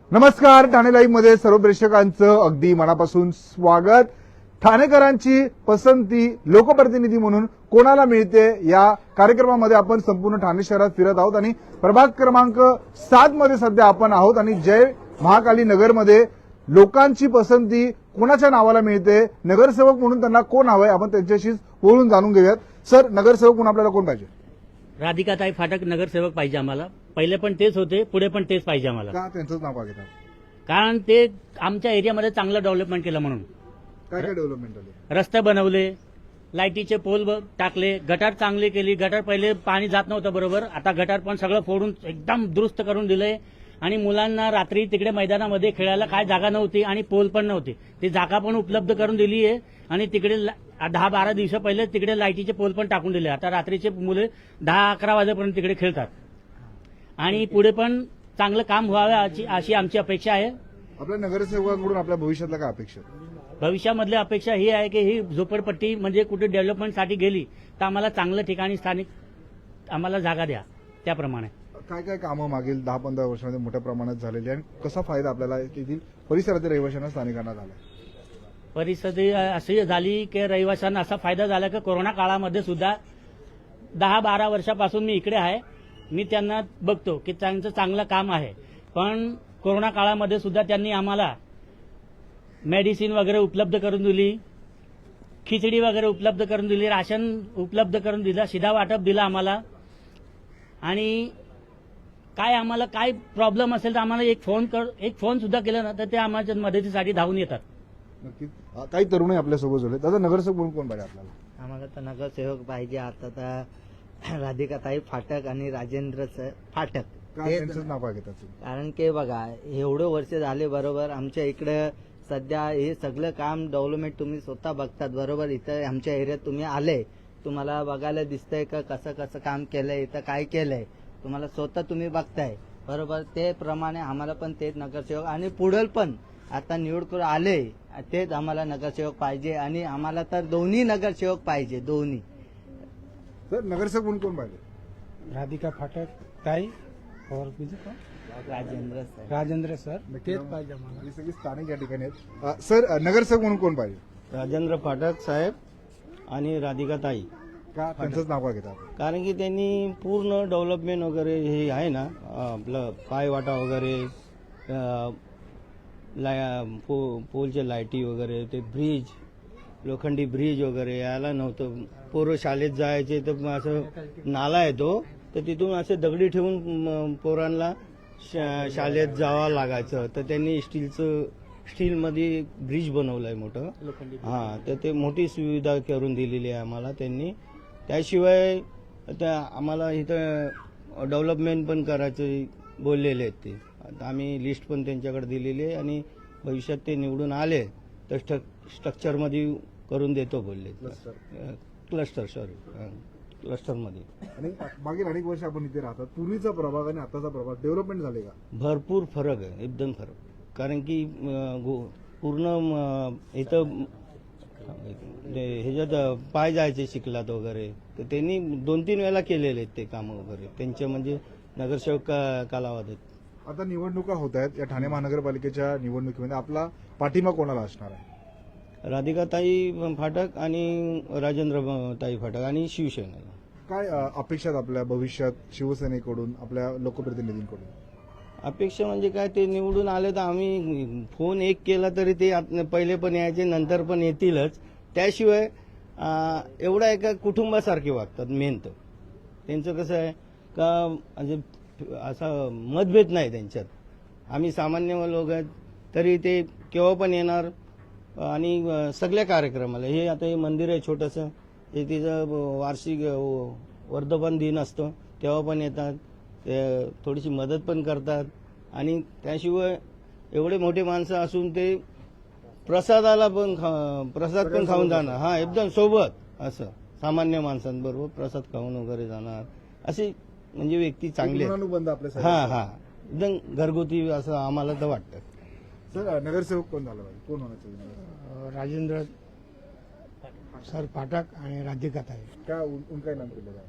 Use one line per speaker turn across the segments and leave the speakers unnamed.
नमस्कार. ठाणे लाईव्ह मध्ये सर्व प्रेक्षकांचं अगदी मनापासून स्वागत. ठाणेकरांची पसंती लोकप्रतिनिधी म्हणून कोणाला मिळते या कार्यक्रमामध्ये आपण संपूर्ण ठाणे शहरात फिरत आहोत आणि प्रभाग क्रमांक 7 मध्ये सध्या आपण आहोत आणि जय महाकाली नगरमध्ये लोकांची पसंती कोणाच्या नावाला मिळते, नगरसेवक म्हणून त्यांना कोण हवंय, आपण त्यांच्याशी बोलून जाणून घेऊयात. सर, नगरसेवक म्हणून आपल्याला कोण पाहिजे?
राधिकाताई फाटक नगरसेवक पाहिजे आम्हाला. पहिले पण तेच होते, पुढे पण तेच पाहिजे आम्हाला.
का त्यांचंच नाव का घेतात?
कारण ते आमच्या एरियामध्ये चांगलं डेव्हलपमेंट केलं म्हणून.
काय काय डेव्हलपमेंट झाले?
रस्ते बनवले, लाईटीचे पोल टाकले, गटार चांगली केली. गटार पहिले पाणी जात नव्हतं बरोबर, आता गटार पण सगळं फोडून एकदम दुरुस्त करून दिलंय. आणि मुलांना रात्री तिकडे मैदानामध्ये खेळायला काय जागा नव्हती आणि पोल पण नव्हती, ती जागा पण उपलब्ध करून दिली आहे. आणि तिकडे 10-12 दिवस पहिले तिकडे लाईटीचे पोल पण टाकून दिले. आता रात्रीचे मुले 10-11 वाजेपर्यंत तिकडे खेळतात. आणि पुढे पण चांगलं काम व्हावं अशी आमची अपेक्षा आहे.
आपल्या नगरसेवकांकडून आपल्या भविष्यातल्या काय अपेक्षा?
भविष्यामधली अपेक्षा ही आहे की ही झोपडपट्टी म्हणजे कुठे डेव्हलपमेंटसाठी गेली तर आम्हाला चांगलं ठिकाणी स्थानिक आम्हाला जागा द्या. त्याप्रमाणे
काय काय कामं मागील 10-15 वर्षांमध्ये मोठ्या प्रमाणात झालेली आणि कसा फायदा आपल्याला तेथील परिसरातील रहिवाशांना, स्थानिकांना झाला?
परिस्थिती अशी झाली की रहिवाशांना असा फायदा झाला की कोरोना काळामध्ये सुद्धा 10-12 वर्षापासून मी इकडे आहे. मी त्यांना बघतो की त्यांचं चांगलं काम आहे. पण कोरोना काळामध्ये सुद्धा त्यांनी आम्हाला मेडिसिन वगैरे उपलब्ध करून दिली, खिचडी वगैरे उपलब्ध करून दिली, राशन उपलब्ध करून दिलं, शिधा वाटप दिलं आम्हाला. आणि काय आम्हाला काय प्रॉब्लेम असेल तर आम्हाला एक फोन सुद्धा केला ना तर ते आम्हाला मदतीसाठी धावून येतात.
नक्कीच. काही तरुणही आपल्यासोबत झाले. दादा, नगरसेवक म्हणून कोण पाहिजे आपल्याला?
आम्हाला तर नगरसेवक पाहिजे आता तर राधिकाताई फाटक आणि राजेंद्र फाटक.
काय त्यांचंच नाव का घेतात?
कारण की बघा, एवढे वर्ष झाले बरोबर आमच्या इकडे सध्या हे सगळं काम डेव्हलपमेंट तुम्ही स्वतः बघतात बरोबर. इथं आमच्या एरियात तुम्ही आले, तुम्हाला बघायला दिसतंय का कसं कसं काम केलंय, इथं काय केलंय तुम्हाला स्वतः तुम्ही बघताय बरोबर. ते प्रमाणे आम्हाला पण तेच नगरसेवक आणि पुढल पण आता निवड आले तेच आम्हाला नगरसेवक पाहिजे. आणि आम्हाला तर दोन्ही नगरसेवक पाहिजे, दोन्ही.
सर, नगरसेवक म्हणून कोण पाहिजे?
राधिका फाटक ताई और बीजू कोण? राजेंद्र सर तेच पाहिजे आम्हाला.
ही सगळी स्थानिक या ठिकाणी आहेत. सर, नगरसेवक म्हणून कोण पाहिजे?
राजेंद्र फाटक साहेब आणि राधिकाताई.
का त्यांचंच नाव का घेतात?
कारण की त्यांनी पूर्ण डेव्हलपमेंट वगैरे हे आहे ना, आपलं पायवाटा वगैरे, पोलचे लाईटी वगैरे, ते ब्रिज, लोखंडी ब्रिज वगैरे यायला नव्हतं. पोरं शाळेत जायचे तर असं नाला येतो तर तिथून असे दगडी ठेवून पोरांना शाळेत जावं लागायचं. तर त्यांनी स्टीलमध्ये ब्रिज बनवलंय मोठं. हां, तर ते मोठी सुविधा करून दिलेली आहे आम्हाला त्यांनी. त्याशिवाय आता आम्हाला इथं डेव्हलपमेंट पण करायचं बोललेले आहेत ते. आता आम्ही लिस्ट पण त्यांच्याकडे दिलेली आहे आणि भविष्यात ते निवडून आले तर स्ट्रक्चरमध्ये करून देतो बोलले. क्लस्टरमध्ये.
आणि मागील अनेक वर्ष आपण इथे राहतात. पूर्वीचा प्रभाग आणि आताचा प्रभाग डेव्हलपमेंट झाले का?
भरपूर फरक आहे, एकदम फरक. कारण की पूर्ण इथं ह्याच्यात पाय जायचे चिखलात वगैरे, तर त्यांनी 2-3 वेळा केलेले आहेत ते कामं वगैरे त्यांच्या म्हणजे नगरसेवक कालावधीत.
आता निवडणुका होत आहेत. या ठाणे महानगरपालिकेच्या निवडणुकीमध्ये आपला पाठिंबा कोणाला असणार आहे?
राधिकाताई फाटक आणि राजेंद्रताई फाटक आणि शिवसेना.
काय अपेक्षा आहेत आपल्या भविष्यात शिवसेनेकडून, आपल्या लोकप्रतिनिधींकडून?
अपेक्षा म्हणजे काय, ते निवडून आले तर आम्ही फोन एक केला तरी ते पहिले पण यायचे, नंतर पण येतीलच. त्याशिवाय एवढा एका कुटुंबासारखे वागतात. मेन तर त्यांचं कसं आहे का म्हणजे असा मतभेद नाही त्यांच्यात. आम्ही सामान्य लोक आहेत तरी ते केव्हा पण येणार आणि सगळ्या कार्यक्रमाला. हे आता हे मंदिर आहे छोटंसं, हे तिचं वार्षिक वर्धापन दिन असतो तेव्हा पण येतात. ते थोडीशी मदत पण करतात. आणि त्याशिवाय एवढे मोठे माणसं असून ते प्रसाद पण खाऊन जाणार. हा, एकदम सोबत असं सामान्य माणसांबरोबर प्रसाद खाऊन वगैरे जाणार. अशी म्हणजे व्यक्ती चांगली आहे. हा, एकदम घरगुती असं आम्हाला तर वाटतं.
सर, नगरसेवक कोण झाला पाहिजे? कोण होना चाहिए?
राजेंद्र सर फाटक आणि राधिकाताई.
क्या उनका नाम क्यों लगा?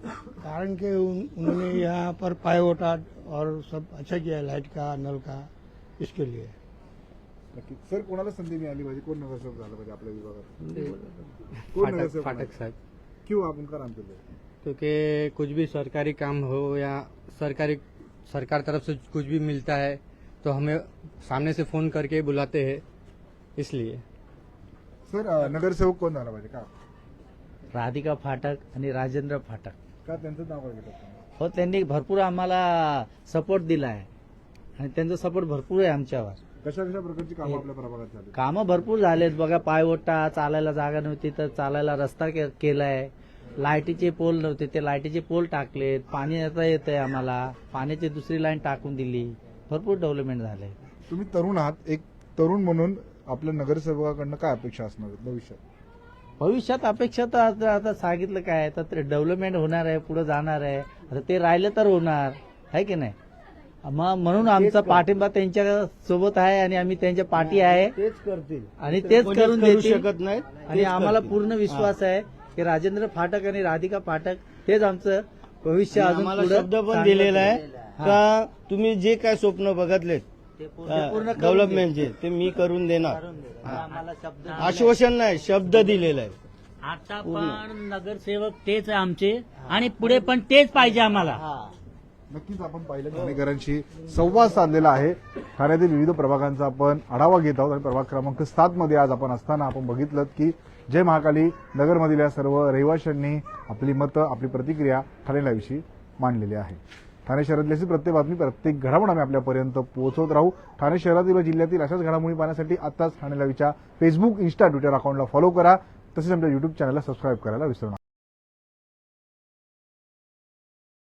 कारण कि उन्होंने यहाँ पर पाइवोटा और सब अच्छा किया, लाइट का, नल का. इसके लिए
नक्की सर कोणाला संधी मिळाली पाहिजे, कोण नगरसेवक झालं पाहिजे आपल्या विभागात, कोण नगरसेवक
फाटक
बनायचं?
साहब,
क्यों आप उनका नाम चल
क्योंकि कुछ भी सरकारी काम हो या सरकार तरफ से कुछ भी मिलता है तो हमें सामने से फोन करके बुलाते हैं, इसलिए
सर नगरसेवक कोण झाला पाहिजे का
राधिका फाटक आणि राजेंद्र फाटक
का त्यांचं नाव काय घेतात तुम्ही?
हो, त्यांनी भरपूर आम्हाला सपोर्ट दिला आहे आणि त्यांचा सपोर्ट भरपूर आहे आमच्यावर.
कशा कशा प्रकारची कामं आपल्या प्रभागात झाली?
कामं भरपूर झालेत बघा. पायवटा, चालायला जागा नव्हती तर चालायला रस्ता केलाय. लाईटीचे पोल नव्हते ते लाईटीचे पोल टाकलेत. पाणी आता येत आहे आम्हाला, पाण्याची दुसरी लाईन टाकून दिली. भरपूर डेव्हलपमेंट झालंय.
तुम्ही तरुण आहात, एक तरुण म्हणून आपल्या नगरसेवकाकडनं काय अपेक्षा असणार आहेत
भविष्यात अपेक्षा तर आता सांगितलं काय, तर डेव्हलपमेंट होणार आहे, पुढे जाणार आहे. आता ते राहिलं तर होणार आहे की नाही. म्हणून आमचा पाठिंबा त्यांच्या सोबत आहे आणि आम्ही त्यांच्या पाठी आहे
तेच करतील
आणि तेच
कोणीच
करून
करू
देतील.
शकत नाही.
आणि आम्हाला पूर्ण विश्वास आहे की राजेंद्र फाटक आणि राधिका फाटक हेच आमचं भविष्य अजून
आम्हाला
पुढं
शब्द पण
चांगलं
दिलेला आहे
हा.
का तुम्ही जे काय स्वप्न बघतलेत
ते पूर्ण करून
डेव्हलपमेंटचे ते मी करून देणार.
आम्हाला शब्द
आश्वासन नाही, शब्द दिलेला आहे.
आता पण नगरसेवक तेच आहे आमचे आणि पुढे पण तेच पाहिजे आम्हाला.
नक्कीच आपण पाहिलं ठाणेकरांशी संवाद साधलेला आहे. ठाण्यातील विविध प्रभागांचा आपण आढावा घेत आहोत आणि प्रभाग क्रमांक 7 मध्ये आज आपण असताना आपण बघितलं की जय महाकाली नगरमधील या सर्व रहिवाशांनी आपली मतं, आपली प्रतिक्रिया ठाणेलाविषयी मांडलेली आहे. ठाणे शहरातली अशी प्रत्येक बातमी, प्रत्येक घडामोड आम्ही आपल्यापर्यंत पोहोचवत राहू. ठाणे शहरातील व जिल्ह्यातील अशाच घडामोडी पाहण्यासाठी आताच ठाणे लाईव्हच्या फेसबुक, इन्स्टा, ट्विटर अकाउंटला फॉलो करा. तसेच आमच्या युट्यूब चॅनलला सबस्क्राईब करायला विसरू नका.